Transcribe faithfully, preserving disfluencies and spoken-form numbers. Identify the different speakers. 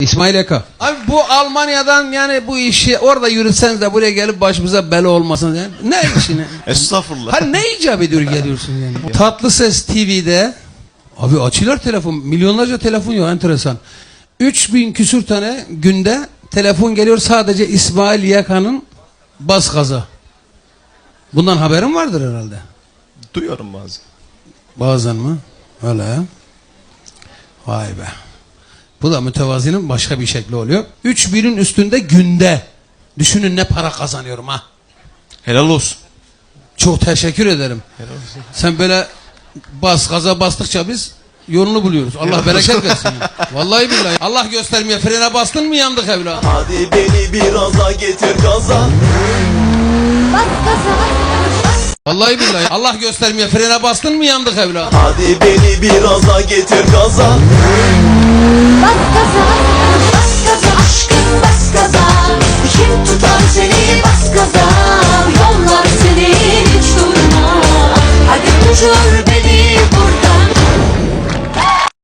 Speaker 1: İsmail Eka. Abi bu Almanya'dan yani bu işi orada yürütseniz de buraya gelip başımıza bela olmasın yani. Ne işine?
Speaker 2: Estağfurullah.
Speaker 1: Hani ne icap ediyor geliyorsun yani? Tatlıses T V'de abi açıyorlar telefon. Milyonlarca telefon yok, enteresan. üç bin küsür tane günde telefon geliyor sadece İsmail Yaka'nın bas gaza. Bundan haberin vardır herhalde.
Speaker 2: Duyuyorum bazen.
Speaker 1: Bazen mi? Öyle ya. Vay be. Bu da mütevazinin başka bir şekli oluyor. üç binin üstünde günde. Düşünün ne para kazanıyorum ha.
Speaker 2: Helal olsun.
Speaker 1: Çok teşekkür ederim.
Speaker 2: Helal olsun.
Speaker 1: Sen böyle bas gaza bastıkça biz yolunu buluyoruz. Allah bereket versin. Vallahi billahi. Allah göstermeye frene bastın mı yandık evladım.
Speaker 3: Hadi beni biraz getir gaza.
Speaker 4: Bas gaza.
Speaker 1: Vallahi billahi. Allah göstermeye frene bastın mı yandık evladım.
Speaker 3: Hadi beni biraz getir gaza.
Speaker 4: Bas gaza. Bas gaza aşkım bas gaza. Kim tutar seni bas gaza. Yollar seni hiç durma. Hadi uçur